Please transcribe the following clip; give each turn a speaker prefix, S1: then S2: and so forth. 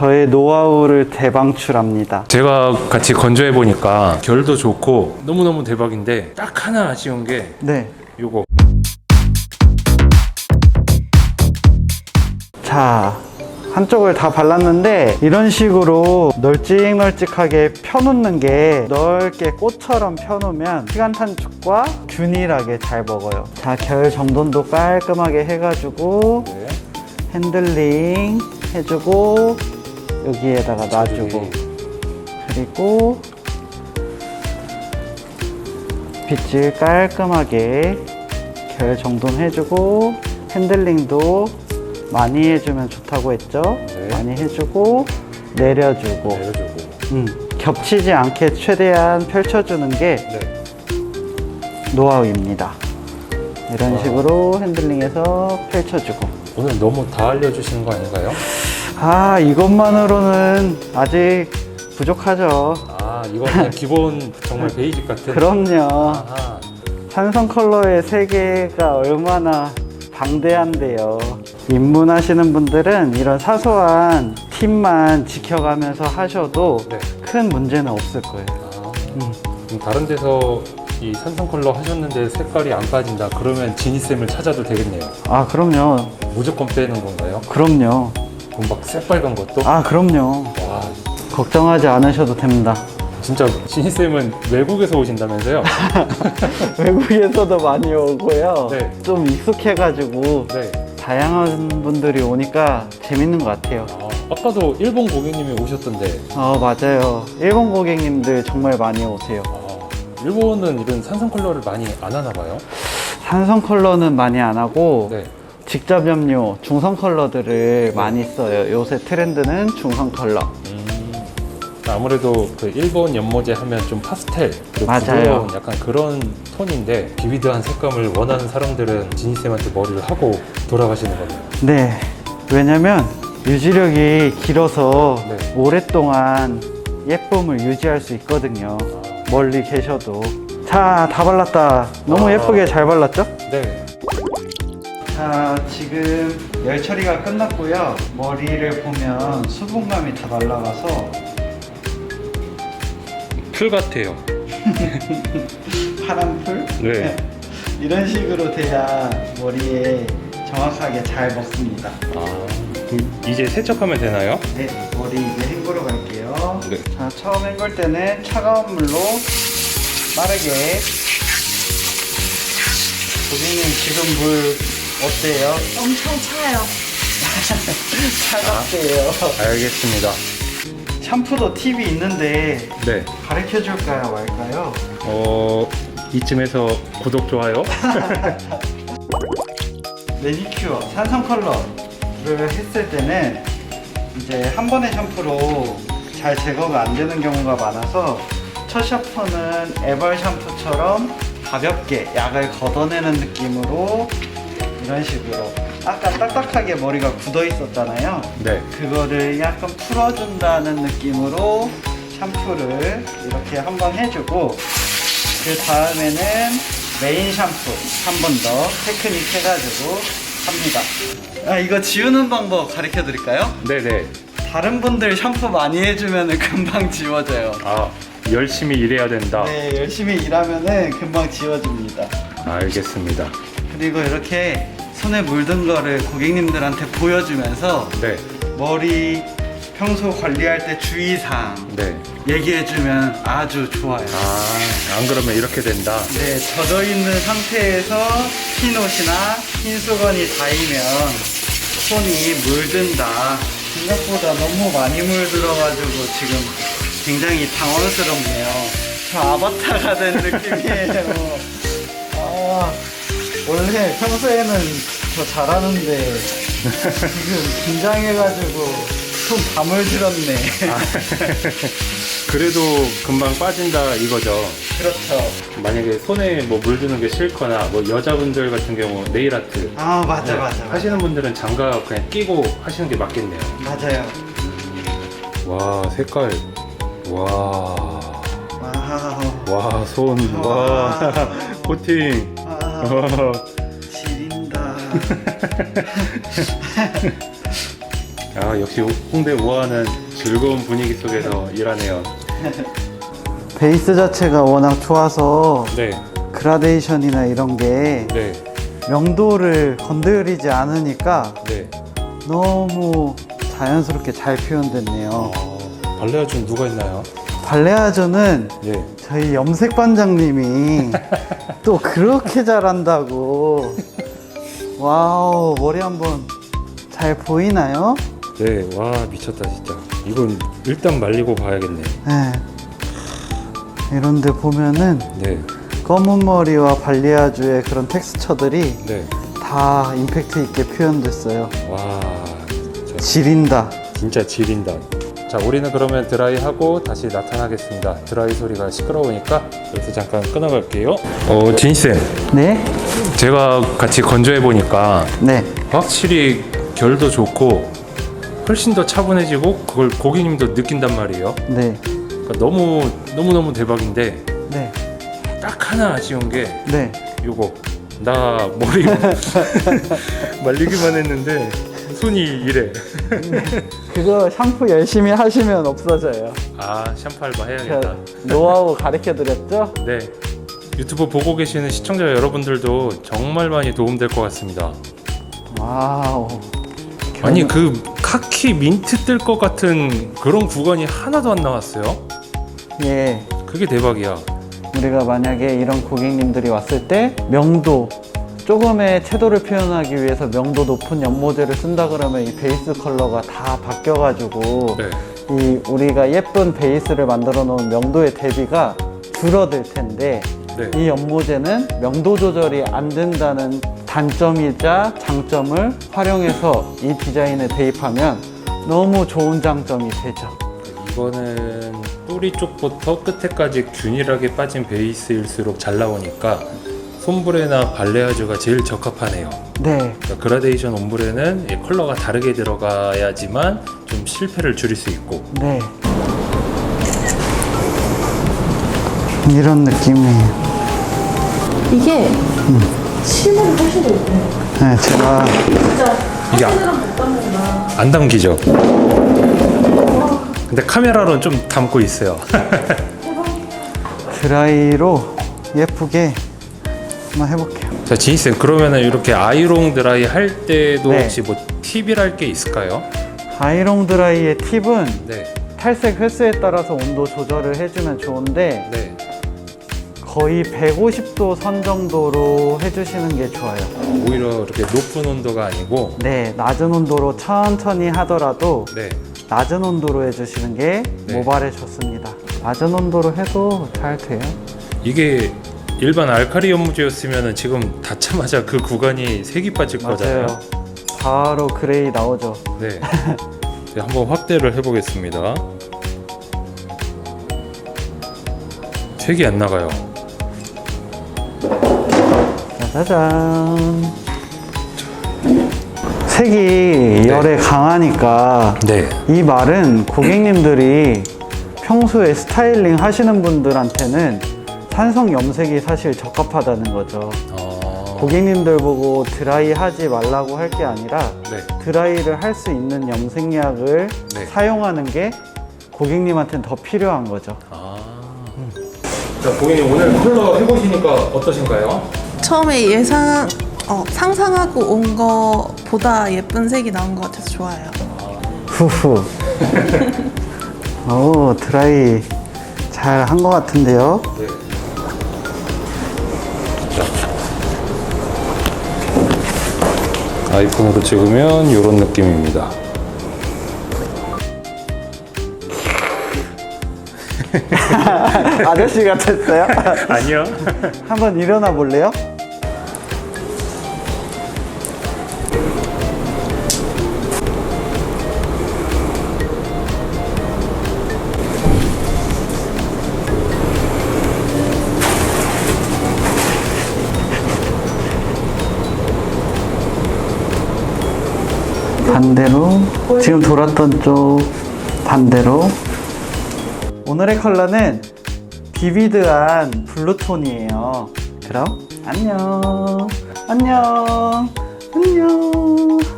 S1: 저의 노하우를 대방출합니다.
S2: 제가 같이 건조해 보니까 결도 좋고 너무너무 대박인데 딱 하나 아쉬운 게
S1: 네.
S2: 요거.
S1: 자, 한쪽을 다 발랐는데 이런 식으로 널찍널찍하게 펴놓는 게 넓게 꽃처럼 펴놓으면 시간 단축과 균일하게 잘 먹어요. 자, 결 정돈도 깔끔하게 해가지고
S2: 네.
S1: 핸들링 해주고 여기에다가 놔주고, 그리고 빗질 깔끔하게 결 정돈해주고, 핸들링도 많이 해주면 좋다고 했죠?
S2: 네.
S1: 많이 해주고 내려주고,
S2: 내려주고.
S1: 겹치지 않게 최대한 펼쳐주는 게
S2: 네.
S1: 노하우입니다. 이런
S2: 와.
S1: 식으로 핸들링해서 펼쳐주고.
S2: 오늘 너무 다 알려주시는 거 아닌가요?
S1: 아, 이것만으로는 아직 부족하죠.
S2: 아, 이거 그냥 기본 정말 베이직 같은.
S1: 그럼요.
S2: 아하.
S1: 산성 컬러의 세계가 얼마나 방대한데요. 입문하시는 분들은 이런 사소한 팁만 지켜가면서 하셔도
S2: 네.
S1: 큰 문제는 없을 거예요.
S2: 아, 그럼 다른 데서 이 산성 컬러 하셨는데 색깔이 안 빠진다 그러면 지니쌤을 찾아도 되겠네요.
S1: 아, 그럼요.
S2: 무조건 빼는 건가요?
S1: 그럼요.
S2: 그럼 막 새빨간 것도?
S1: 아, 그럼요.
S2: 와,
S1: 걱정하지 않으셔도 됩니다.
S2: 진짜 지니쌤은 외국에서 오신다면서요?
S1: 외국에서도 많이 오고요.
S2: 네.
S1: 좀 익숙해가지고
S2: 네.
S1: 다양한 분들이 오니까 재밌는 것 같아요.
S2: 아, 아까도 일본 고객님이 오셨던데.
S1: 맞아요. 일본 고객님들 정말 많이 오세요.
S2: 아, 일본은 이런 산성 컬러를 많이 안 하나 봐요?
S1: 산성 컬러는 많이 안 하고
S2: 네.
S1: 직접 염료, 중성 컬러들을 많이 써요. 요새 트렌드는 중성 컬러.
S2: 아무래도 그 일본 연모제 하면 좀 파스텔, 그리고
S1: 맞아요.
S2: 부드러운 약간 그런 톤인데 비비드한 색감을 원하는 사람들은 지니쌤한테 머리를 하고 돌아가시는 거네요.
S1: 네. 왜냐면 유지력이 길어서
S2: 네.
S1: 오랫동안 예쁨을 유지할 수 있거든요. 멀리 계셔도. 자, 다 발랐다. 너무
S2: 아.
S1: 예쁘게 잘 발랐죠?
S2: 네.
S1: 자, 지금 열 처리가 끝났고요. 머리를 보면 수분감이 다 날라가서
S2: 풀 같아요.
S1: 파란 풀?
S2: 네.
S1: 이런 식으로 돼야 머리에 정확하게 잘 먹습니다.
S2: 아, 그럼 이제 세척하면 되나요?
S1: 네, 머리 이제 헹구러 갈게요.
S2: 네.
S1: 자, 처음 헹굴 때는 차가운 물로 빠르게. 고객님, 지금 물 어때요?
S3: 엄청 차요.
S1: 차갑대요.
S2: 알겠습니다.
S1: 샴푸도 팁이 있는데
S2: 네.
S1: 가르쳐 줄까요, 말까요?
S2: 이쯤에서 구독, 좋아요.
S1: 매니큐어, 산성 컬러를 했을 때는 이제 한 번의 샴푸로 잘 제거가 안 되는 경우가 많아서 첫 샴푸는 에벌 샴푸처럼 가볍게 약을 걷어내는 느낌으로 이런 식으로 아까 딱딱하게 머리가 굳어 있었잖아요.
S2: 네.
S1: 그거를 약간 풀어준다는 느낌으로 샴푸를 이렇게 한번 해주고, 그 다음에는 메인 샴푸 한 번 더 테크닉 해가지고 합니다. 이거 지우는 방법 가르쳐 드릴까요?
S2: 네네.
S1: 다른 분들 샴푸 많이 해주면 금방 지워져요.
S2: 아, 열심히 일해야 된다.
S1: 네, 열심히 일하면은 금방 지워집니다.
S2: 알겠습니다.
S1: 그리고 이렇게 손에 물든 거를 고객님들한테 보여주면서
S2: 네.
S1: 머리 평소 관리할 때 주의사항
S2: 네.
S1: 얘기해주면 아주 좋아요.
S2: 아, 안 그러면 이렇게 된다.
S1: 네, 젖어 있는 상태에서 흰 옷이나 흰 수건이 닿으면 손이 물든다. 생각보다 너무 많이 물들어가지고 지금 굉장히 당황스럽네요. 저 아바타가 된 느낌이에요. 원래 평소에는 더 잘하는데 지금 긴장해가지고 손 다 물들었네.
S2: 그래도 금방 빠진다 이거죠.
S1: 그렇죠.
S2: 만약에 손에 뭐 물드는 게 싫거나 뭐 여자분들 같은 경우 네일 아트
S1: 맞아.
S2: 하시는 분들은 장갑 그냥 끼고 하시는 게 맞겠네요.
S1: 맞아요.
S2: 와, 색깔. 와.
S1: 와우.
S2: 손. 와. 코팅.
S1: 지린다.
S2: 아, 역시 홍대 우아는 즐거운 분위기 속에서 일하네요.
S1: 베이스 자체가 워낙 좋아서
S2: 네,
S1: 그라데이션이나 이런 게
S2: 네,
S1: 명도를 건드리지 않으니까
S2: 네.
S1: 너무 자연스럽게 잘 표현됐네요.
S2: 발레아준 누가 있나요?
S1: 발레아저는
S2: 예.
S1: 저희 염색 반장님이 또 그렇게 잘한다고. 와우, 머리 한번 잘 보이나요?
S2: 네, 와 미쳤다 진짜. 이건 일단 말리고 봐야겠네.
S1: 네. 이런데 보면은
S2: 네,
S1: 검은 머리와 발리아주의 그런 텍스처들이
S2: 네.
S1: 다 임팩트 있게 표현됐어요.
S2: 와, 진짜,
S1: 지린다.
S2: 진짜 지린다. 자, 우리는 그러면 드라이하고 다시 나타나겠습니다. 드라이 소리가 시끄러우니까 여기서 잠깐 끊어갈게요. 진쌤,
S1: 네?
S2: 제가 같이 건조해 보니까
S1: 네.
S2: 확실히 결도 좋고 훨씬 더 차분해지고 그걸 고객님도 느낀단 말이에요.
S1: 네.
S2: 그러니까 너무 대박인데
S1: 네.
S2: 딱 하나 아쉬운 게
S1: 네.
S2: 요거 나 머리 말리기만 했는데 손이 이래.
S1: 그거 샴푸 열심히 하시면 없어져요.
S2: 아, 샴푸 알바 해야겠다.
S1: 제가 노하우 가르쳐 드렸죠?
S2: 네, 유튜브 보고 계시는 시청자 여러분들도 정말 많이 도움될 것 같습니다.
S1: 와우.
S2: 아니 그 카키 민트 뜰 것 같은 그런 구간이 하나도 안 나왔어요.
S1: 예.
S2: 그게 대박이야.
S1: 우리가 만약에 이런 고객님들이 왔을 때 명도, 조금의 채도를 표현하기 위해서 명도 높은 연모제를 쓴다 그러면 이 베이스 컬러가 다 바뀌어가지고
S2: 네,
S1: 이 우리가 예쁜 베이스를 만들어 놓은 명도의 대비가 줄어들 텐데
S2: 네.
S1: 이 연모제는 명도 조절이 안 된다는 단점이자 장점을 활용해서 이 디자인에 대입하면 너무 좋은 장점이 되죠.
S2: 이거는 뿌리 쪽부터 끝에까지 균일하게 빠진 베이스일수록 잘 나오니까 솜브레나 발레아주가 제일 적합하네요.
S1: 네.
S2: 그러니까 그라데이션 옴브레는 이 컬러가 다르게 들어가야지만 좀 실패를 줄일 수 있고.
S1: 네. 이런 느낌이에요.
S3: 이게 실물이 훨씬 더 예뻐요.
S1: 네, 제가
S3: 진짜
S2: 이게
S3: 사진이랑 못 담는다.
S2: 안 담기죠? 근데 카메라로는 좀 담고 있어요.
S1: 드라이로 예쁘게 한번 해볼게요.
S2: 자, 지희쌤, 그러면은 이렇게 아이롱 드라이 할 때도
S1: 네.
S2: 혹시 뭐 팁이랄 게 있을까요?
S1: 아이롱 드라이의 팁은
S2: 네,
S1: 탈색 횟수에 따라서 온도 조절을 해주면 좋은데
S2: 네.
S1: 거의 150도 선 정도로 해주시는 게 좋아요.
S2: 오히려 이렇게 높은 온도가 아니고,
S1: 네, 낮은 온도로 천천히 하더라도
S2: 네,
S1: 낮은 온도로 해주시는 게
S2: 네.
S1: 모발에 좋습니다. 낮은 온도로 해도 잘 돼요.
S2: 이게 일반 알카리 연무제였으면은 지금 닿자마자 그 구간이 색이 빠질 거잖아요.
S1: 맞아요. 바로 그레이 나오죠.
S2: 네. 네, 한번 확대를 해보겠습니다. 색이 안 나가요.
S1: 짜자잔. 색이 열에 강하니까
S2: 네.
S1: 이 말은 고객님들이 평소에 스타일링 하시는 분들한테는 산성 염색이 사실 적합하다는 거죠. 고객님들 보고 드라이 하지 말라고 할 게 아니라
S2: 네.
S1: 드라이를 할 수 있는 염색약을
S2: 네.
S1: 사용하는 게 고객님한테는 더 필요한 거죠.
S2: 자, 고객님 오늘 컬러 해보시니까 어떠신가요?
S3: 처음에 상상하고 온 거보다 예쁜 색이 나온 것 같아서 좋아요.
S1: 후후. 오, 드라이 잘 한 것 같은데요?
S2: 네. 아이폰으로 찍으면 이런 느낌입니다.
S1: 아저씨 같았어요?
S2: 아니요.
S1: 한번 일어나 볼래요? 반대로 지금 돌았던 쪽 반대로. 오늘의 컬러는 비비드한 블루톤이에요. 그럼 안녕 안녕 안녕.